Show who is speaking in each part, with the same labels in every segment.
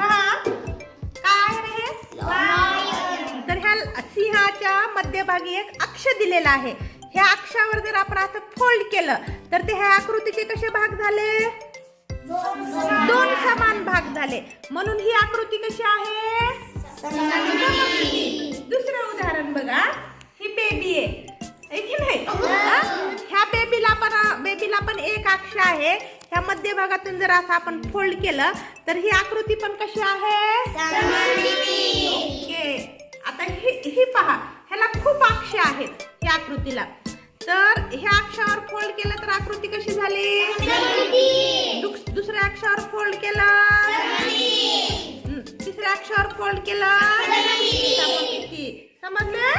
Speaker 1: पहा काय आहे हे? तर ह्या सिंहाच्या मध्यभागी एक अक्ष दिलेला आहे. ह्या अक्षावर जर आपण असं फोल्ड केलं तर ते ह्या आकृतीचे कसे भाग झाले? दोन समान भाग झाले. म्हणून ही आकृती कशी आहे? दुसरं उदाहरण बघा. ही बेबी आहे की नाही? ह्या बेबीला पण एक अक्ष आहे. ह्या मध्यभागातून जर असं आपण फोल्ड केलं तर ही आकृती पण कशी आहे? ओके. आता ही पहा, ह्याला खूप अक्ष आहेत या आकृतीला. तर ह्या अक्षावर फोल्ड केलं तर आकृती कशी झाली? दुसऱ्या अक्षावर फोल्ड केलं, तिसऱ्या अक्षावर फोल्ड केलं, समजले?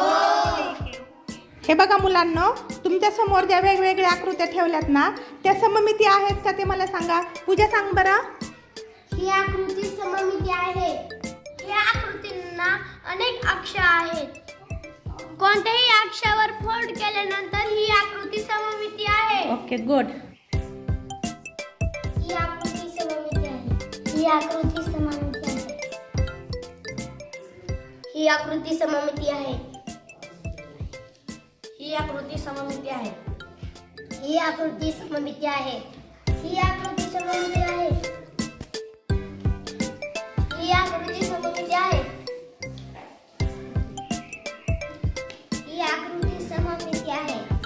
Speaker 1: हे बघा मुलांनो, तुमच्या समोर ज्या वेगवेगळ्या आकृत्या ठेवल्यात ना त्या सममिती आहेत का ते मला सांगा. पूजा सांग बरं.
Speaker 2: ही आकृती सममिती आहे. या आकृतींना अनेक अक्ष आहेत. कोणत्याही अक्षावर फोल्ड केल्यानंतर ही आकृती सममिती आहे.
Speaker 1: Okay, good.
Speaker 2: ही आकृती सममिती आहे. ही आकृती सममिती आहे. ही आकृती सममिती आहे. ही आकृती सममिती आहे. ही आकृती सममिती आहे. ही आकृती सममिती आहे. ही आकृती सममिती आहे. ही आकृती सममिती आहे.